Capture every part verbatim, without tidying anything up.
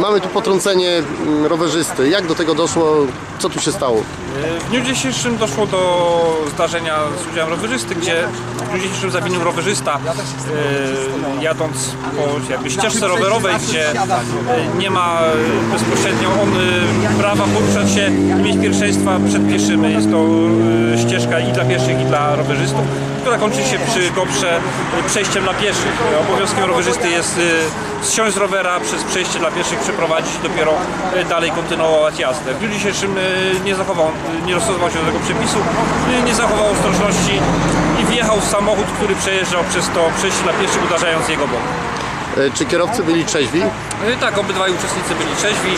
Mamy tu potrącenie rowerzysty. Jak do tego doszło? Co tu się stało? W dniu dzisiejszym doszło do zdarzenia z udziałem rowerzysty, gdzie w dniu dzisiejszym zawinił rowerzysta yy, jadąc po jakby ścieżce rowerowej, gdzie yy, nie ma bezpośrednio on yy, prawa poruszać się i mieć pierwszeństwa przed pieszymi. Jest to yy, ścieżka i dla pieszych, i dla rowerzystów, która kończy się przy Koprze przejściem dla pieszych. Obowiązkiem rowerzysty jest yy, zsiąść z rowera, przez przejście dla pieszych przeprowadzić i dopiero yy, dalej kontynuować jazdę. W dniu dzisiejszym yy, nie zachował, nie dostosował się do tego przepisu, yy, nie zachował ostrożności i wjechał w samochód, który przejeżdżał przez to przejście dla pieszych, uderzając jego bok. Czy kierowcy byli trzeźwi? Yy, tak, obydwaj uczestnicy byli trzeźwi.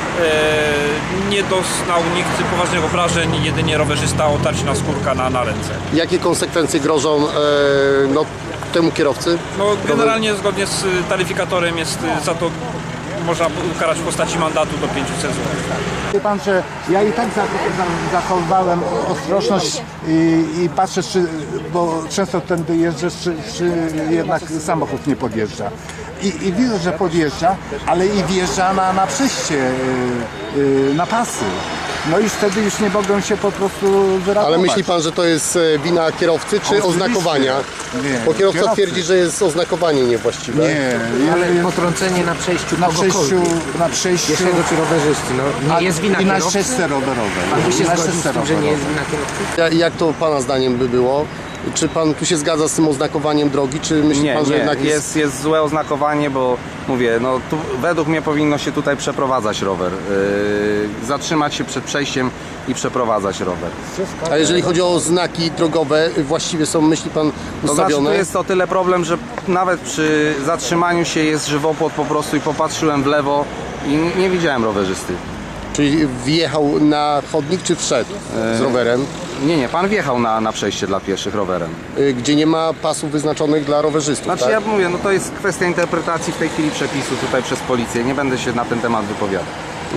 Yy, nie doznał nikt poważnych obrażeń, jedynie rowerzysta otarć na skórka na, na ręce. Jakie konsekwencje grożą e, no, temu kierowcy? No, generalnie zgodnie z taryfikatorem jest za to można ukarać w postaci mandatu do pięciuset złotych. Wie pan, że ja i tak zachowałem ostrożność i, i patrzę, czy, bo często tędy jeżdżę, czy, czy jednak samochód nie podjeżdża. I, I widzę, że podjeżdża, ale i wjeżdża na, na przejście, yy, yy, na pasy. No i wtedy już nie mogą się po prostu wyrabować. Ale myśli pan, że to jest wina kierowcy, czy Oczywiście. oznakowania? Nie, Bo kierowca kierowcy. twierdzi, że jest oznakowanie niewłaściwe. Nie, Ale jest potrącenie na przejściu na przejściu, kogokolwiek, na przejściu pieszego czy rowerzysty, no nie jest wina i na kierowcy? ścieżce rowerowej. Pan by się Na zgodził z ścieżce tym, że nie jest rowerowej. wina kierowcy? Ja- Jak to pana zdaniem by było? Czy pan tu się zgadza z tym oznakowaniem drogi, czy myśli Nie, pan, że nie, jednak jest... jest, jest złe oznakowanie, bo mówię, no tu według mnie powinno się tutaj przeprowadzać rower. Yy, zatrzymać się przed przejściem i przeprowadzać rower. A jeżeli chodzi o znaki drogowe, właściwie są, myśli pan, To znaczy ustawione? tu jest o tyle problem, że nawet przy zatrzymaniu się jest żywopłot po prostu i popatrzyłem w lewo i nie widziałem rowerzysty. Czyli wjechał na chodnik, czy wszedł z rowerem, Nie, nie, pan wjechał na, na przejście dla pieszych rowerem. y, gdzie nie ma pasów wyznaczonych dla rowerzystów, Znaczy tak? ja mówię, no to jest kwestia interpretacji w tej chwili przepisu tutaj przez policję. Nie będę się na ten temat wypowiadał.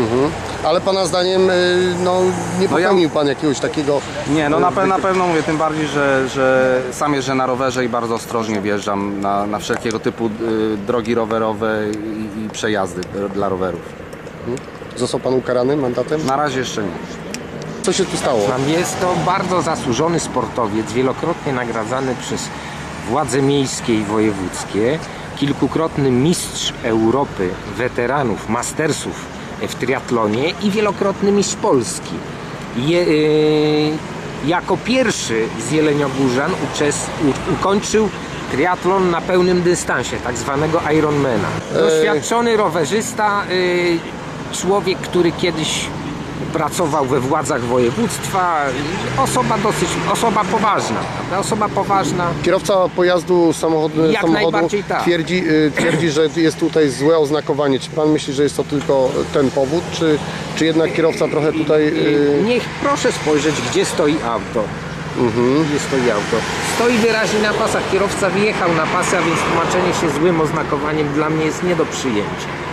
Ale pana zdaniem y, no, nie No ja- popełnił pan jakiegoś takiego... Nie, no na, pe na pewno mówię, tym bardziej, że, że sam jeżdżę na rowerze i bardzo ostrożnie wjeżdżam na, na wszelkiego typu y, drogi rowerowe i, i przejazdy dla rowerów. Został pan ukarany mandatem? Na razie jeszcze nie. Co się tu stało? Jest to bardzo zasłużony sportowiec, wielokrotnie nagradzany przez władze miejskie i wojewódzkie, kilkukrotny mistrz Europy, weteranów, mastersów w triatlonie i wielokrotny mistrz Polski. Je, yy, jako pierwszy z jeleniogórzan uczes, u, ukończył triatlon na pełnym dystansie, tak zwanego Ironmana. Doświadczony rowerzysta, yy, człowiek, który kiedyś pracował we władzach województwa, osoba dosyć, osoba poważna, prawda? Osoba poważna. Kierowca pojazdu samochodu, Jak samochodu najbardziej tak. twierdzi, y, twierdzi, że jest tutaj złe oznakowanie. Czy pan myśli, że jest to tylko ten powód, czy, czy jednak kierowca trochę tutaj... y, Niech proszę spojrzeć, gdzie stoi auto. Gdzie stoi auto. Stoi wyraźnie na pasach. Kierowca wyjechał na pasy, a więc tłumaczenie się złym oznakowaniem dla mnie jest nie do przyjęcia.